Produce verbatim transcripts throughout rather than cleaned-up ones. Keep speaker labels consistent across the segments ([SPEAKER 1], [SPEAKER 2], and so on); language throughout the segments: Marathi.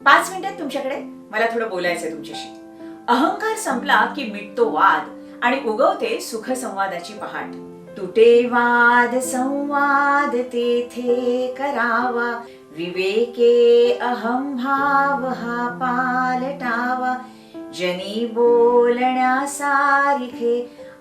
[SPEAKER 1] पाच मिनिटात तुमच्याकडे मला थोडं बोलायचंय तुमच्याशी. अहंकार संपला की मिटतो वाद आणि उगवते सुख संवादाची पहाट. तुटे वाद संवाद तेथे करावा, विवेके अहम भाव हा पालटावा. जनी बोलण्या सारिखे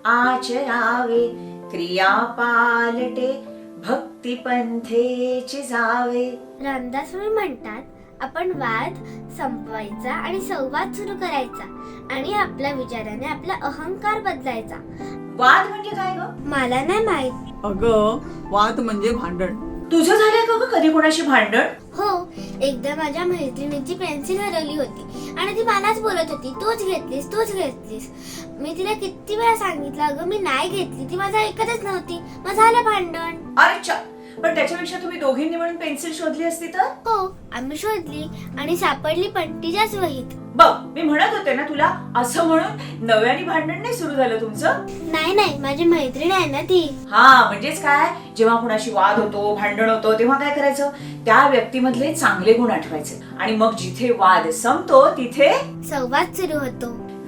[SPEAKER 1] आचरावे, क्रिया पालटे भक्ती पंथेची जावे.
[SPEAKER 2] रामदास स्वामी म्हणतात, आपण वाद संपवायचा आणि संवाद सुरू करायचा आणि आपल्या विचाराने आपला अहंकार बदलायचा.
[SPEAKER 1] वाद म्हणजे काय ग?
[SPEAKER 2] मला नाही माहित.
[SPEAKER 3] अगं, वाद म्हणजे भांडण.
[SPEAKER 1] तुझं झालंय का ग कधी कोणाशी भांडण?
[SPEAKER 2] हो, एकदा माझ्या मैत्रिणीची पेन्सिल हरवली होती आणि ती मलाच बोलत होती, तूच घेतलीस तूच घेतलीस. मी तिला किती वेळा सांगितलं, अगं मी नाही घेतली, ती माझं ऐकतच नव्हती. मग झालं भांडण.
[SPEAKER 1] अच्छा, पण त्याच्यापेक्षा तुम्ही दोघींनी मिळून पेन्सिल शोधली असती तर?
[SPEAKER 2] हो, आम्ही शोधली आणि सापडली पण तिच्याच वहीत.
[SPEAKER 1] बघ, मी म्हणत होते ना तुला, असं म्हणून नव्याने भांडण नाही सुरू झालं तुमचं?
[SPEAKER 2] नाही नाही, माझी मैत्रीण आहे ना ती.
[SPEAKER 1] हा, म्हणजेच काय, जेव्हा कुणाशी वाद होतो, भांडण होतो, तेव्हा काय करायचं, त्या व्यक्तीमधले चांगले गुण आठवायचे आणि मग जिथे वाद संपतो तिथे
[SPEAKER 2] संवाद सुरू होतो.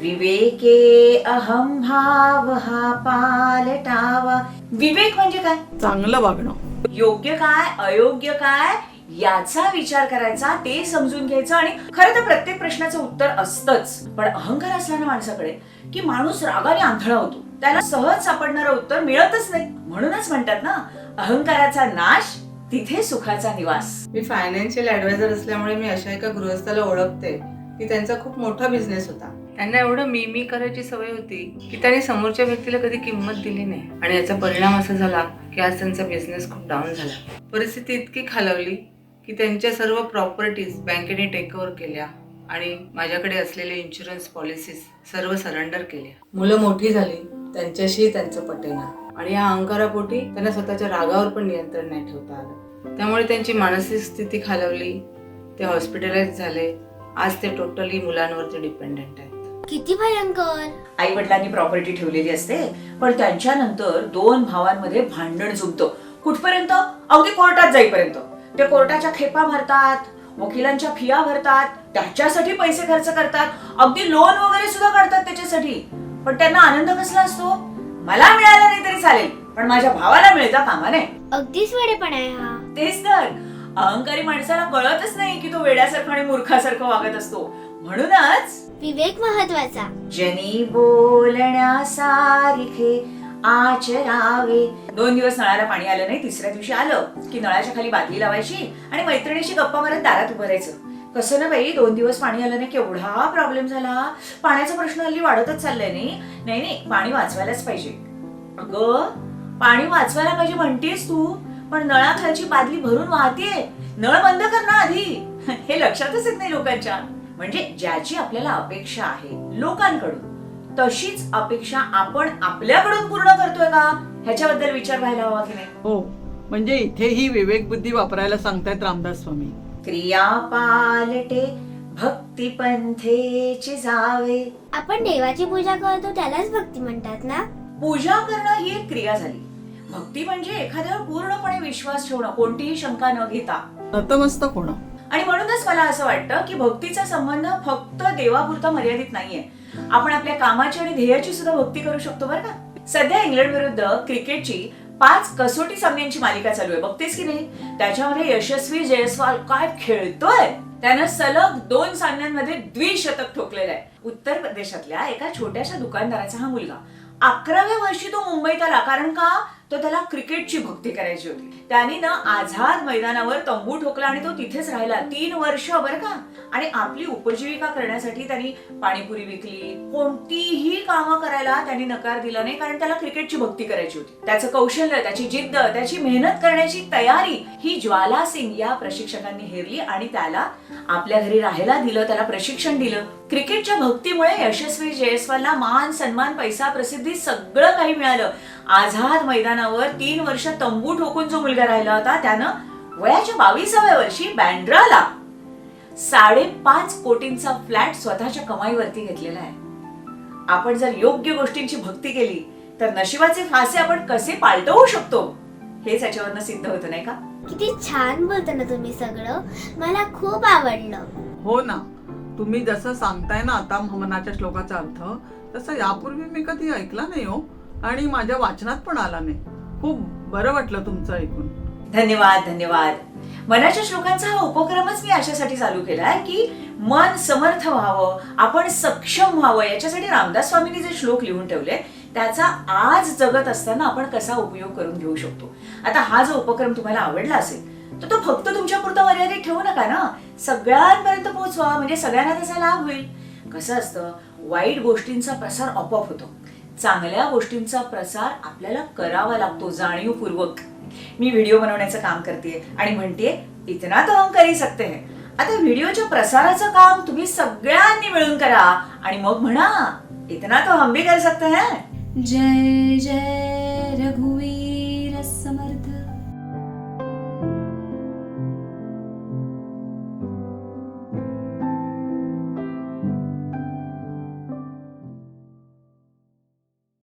[SPEAKER 1] विवेके अहम भाव हा पालटावा. विवेक म्हणजे काय?
[SPEAKER 3] चांगलं वागणं.
[SPEAKER 1] योग्य काय, अयोग्य काय याचा विचार करायचा, ते समजून घ्यायचं. आणि खरं तर प्रत्येक प्रश्नाचं उत्तर असतंच, पण अहंकार असला ना माणसाकडे की माणूस रागाने आंधळा होतो, त्याला सहज सापडणारं उत्तर मिळतच नाही. म्हणूनच म्हणतात ना, अहंकाराचा नाश तिथे सुखाचा निवास.
[SPEAKER 4] मी फायनान्शियल ऍडवायझर असल्यामुळे मी अशा एका गृहस्थाला ओळखते की त्यांचा खूप मोठा बिझनेस होता. त्यांना एवढं मी मी करायची सवय होती की त्यांनी समोरच्या व्यक्तीला कधी किंमत दिली नाही आणि याचा परिणाम असा झाला की आज त्यांचा बिझनेस खूप डाऊन झाला. परिस्थिती इतकी खालावली की त्यांच्या सर्व प्रॉपर्टीज बँकेने टेक ओव्हर केल्या आणि माझ्याकडे असलेले इन्शुरन्स पॉलिसीज सर्व सरेंडर केल्या. मुलं मोठी झाली, त्यांच्याशी त्यांचं पटेना आणि या अहंकारापोटी त्यांना स्वतःच्या रागावर पण नियंत्रण नाही ठेवता आलं. त्यामुळे त्यांची मानसिक स्थिती खालावली, ते हॉस्पिटलाइज झाले. आज ते टोटली मुलांवरती डिपेंडेंट आहेत.
[SPEAKER 2] किती भयंकर.
[SPEAKER 1] आई वडिलांनी प्रॉपर्टी ठेवलेली असते, पण त्यांच्यानंतर दोन भावांमध्ये भांडण जुंपतं. कुठपर्यंत? अगदी कोर्टात जाईपर्यंत. ते कोर्टाच्या खेपा भरतात, वकिलांच्या फिया भरतात, त्याच्यासाठी पैसे खर्च करतात, अगदी लोन वगैरे सुद्धा काढतात त्याच्यासाठी. पण त्यांना आनंद कसला असतो? मला मिळाला नाही तरी चालेल, पण माझ्या भावाला मिळता कामा नये.
[SPEAKER 2] अगदीच वेडेपणा आहे हा.
[SPEAKER 1] तेच तर, अहंकारी माणसाला कळतच नाही की तो वेड्यासारखं आणि मूर्खासारखं वागत असतो. म्हणूनच
[SPEAKER 2] विवेक महत्वाचा.
[SPEAKER 1] जनी बोलण्या सारिखे आचरावे. दोन दिवस नळाला पाणी आलं नाही, तिसऱ्या दिवशी आलं की नळाच्या खाली बादली लावायची आणि मैत्रिणीशी गप्पा मारत दारात उभं राहायचं. कसं ना बाई, दोन दिवस पाणी आलं नाही, केवढा प्रॉब्लेम झाला. पाण्याचा प्रश्न हल्ली वाढतच चाललाय. नाही नाही नाही पाणी वाचवायलाच पाहिजे. अगं, पाणी वाचवायला पाहिजे म्हणतेस तू, पण नळाखालची बादली भरून वाहतीये. नळ बंद कर ना आधी. हे लक्षातच येत नाही लोकांच्या. म्हणजे ज्याची आपल्याला अपेक्षा आहे लोकांकडून, तशीच अपेक्षा आपण आपल्याकडून पूर्ण करतोय का, ह्याच्याबद्दल विचार व्हायला हवा की नाही?
[SPEAKER 3] हो, म्हणजे इथेही विवेक बुद्धी वापरायला सांगतायत रामदास स्वामी.
[SPEAKER 1] क्रिया पालटे भक्ती पंथेची जावे.
[SPEAKER 2] आपण देवाची पूजा करतो त्यालाच भक्ती म्हणतात ना.
[SPEAKER 1] पूजा करणं ही एक क्रिया झाली. भक्ती म्हणजे एखाद्यावर पूर्णपणे विश्वास ठेवणं, कोणतीही शंका न घेता.
[SPEAKER 3] नतमस्तक होणं.
[SPEAKER 1] आणि म्हणूनच मला असं वाटतं की भक्तीचा संबंध फक्त देवापुरता मर्यादित नाहीये. आपण आपल्या कामाची आणि ध्येयाची सुद्धा भक्ती करू शकतो बरं का. सध्या इंग्लंड विरुद्ध क्रिकेटची पाच कसोटी सामन्यांची मालिका चालू आहे, बघतेस की नाही? त्याच्यामध्ये यशस्वी जयस्वाल काय खेळतोय. त्यानं सलग दोन सामन्यांमध्ये द्विशतक ठोकलेलं आहे. उत्तर प्रदेशातल्या एका छोट्याशा दुकानदाराचा हा मुलगा. अकराव्या वर्षी तो मुंबईत आला, कारण का, तो त्याला क्रिकेटची भक्ती करायची होती. त्याने ना आझाद मैदानावर तंबू ठोकला आणि तो तिथेच राहिला तीन वर्ष बरं का. आणि आपली उपजीविका करण्यासाठी त्यांनी पाणीपुरी विकली, कोणतीही कामं करायला त्यांनी नकार दिला नाही, कारण त्याला क्रिकेटची भक्ती करायची होती. त्याचं कौशल्य, त्याची जिद्द, त्याची मेहनत करण्याची तयारी ही ज्वाला सिंग या प्रशिक्षकांनी हेरली आणि त्याला आपल्या घरी राहायला दिलं, त्याला प्रशिक्षण दिलं. क्रिकेटच्या भक्तीमुळे यशस्वी जयस्वालला मान सन्मान, पैसा, प्रसिद्धी सगळं काही मिळालं. आझाद मैदानावर तीन वर्ष तंबू ठोकून जो मुलगा राहिला होता, त्यानं वयाच्या बावीसाव्या वर्षी बँड्राला साडेपाच कोटींचा फ्लॅट स्वतःच्या कमाईवरती घेतलेला आहे. आपण जर योग्य गोष्टींची भक्ती केली तर नशिबाचे फासे आपण कसे पालटवू शकतो हेच याच्यावरनं सिद्ध होतं, नाही का?
[SPEAKER 2] किती छान बोलता ना तुम्ही सगळं. मला खूप आवडलं.
[SPEAKER 3] हो ना, तुम्ही जसं सांगताय ना आता मनाच्या श्लोकाचा अर्थ, तसं यापूर्वी मी कधी ऐकला नाही हो, आणि माझ्या वाचनात पण आला नाही. खूप बरं वाटलं तुमचं ऐकून.
[SPEAKER 1] धन्यवाद धन्यवाद. मनाच्या श्लोकांचा हा उपक्रमच मी अशासाठी चालू केलाय की मन समर्थ व्हावं, आपण सक्षम व्हावं. याच्यासाठी रामदास स्वामींनी जे श्लोक लिहून ठेवले त्याचा आज जगत असताना आपण कसा उपयोग करून घेऊ शकतो. आता हा जो उपक्रम तुम्हाला आवडला असेल तर तो फक्त तुमच्या पुरता मर्यादित ठेवू नका ना, सगळ्यांपर्यंत पोहोचवा, म्हणजे सगळ्यांना त्याचा लाभ होईल. कसं असतं, वाईट गोष्टींचा प्रसार आपोआप होतो, चांगल्या गोष्टींचा प्रसार आपल्याला करावा लागतो जाणीवपूर्वक. मी व्हिडिओ बनवण्याचं काम करते आणि म्हणते इतना तो हम कर ही सकते हैं. आता व्हिडिओच्या प्रसाराचं काम तुम्ही सगळ्यांनी मिळून करा आणि मग म्हणा इतना तो हम भी कर सकते हैं.
[SPEAKER 5] जय जय रघु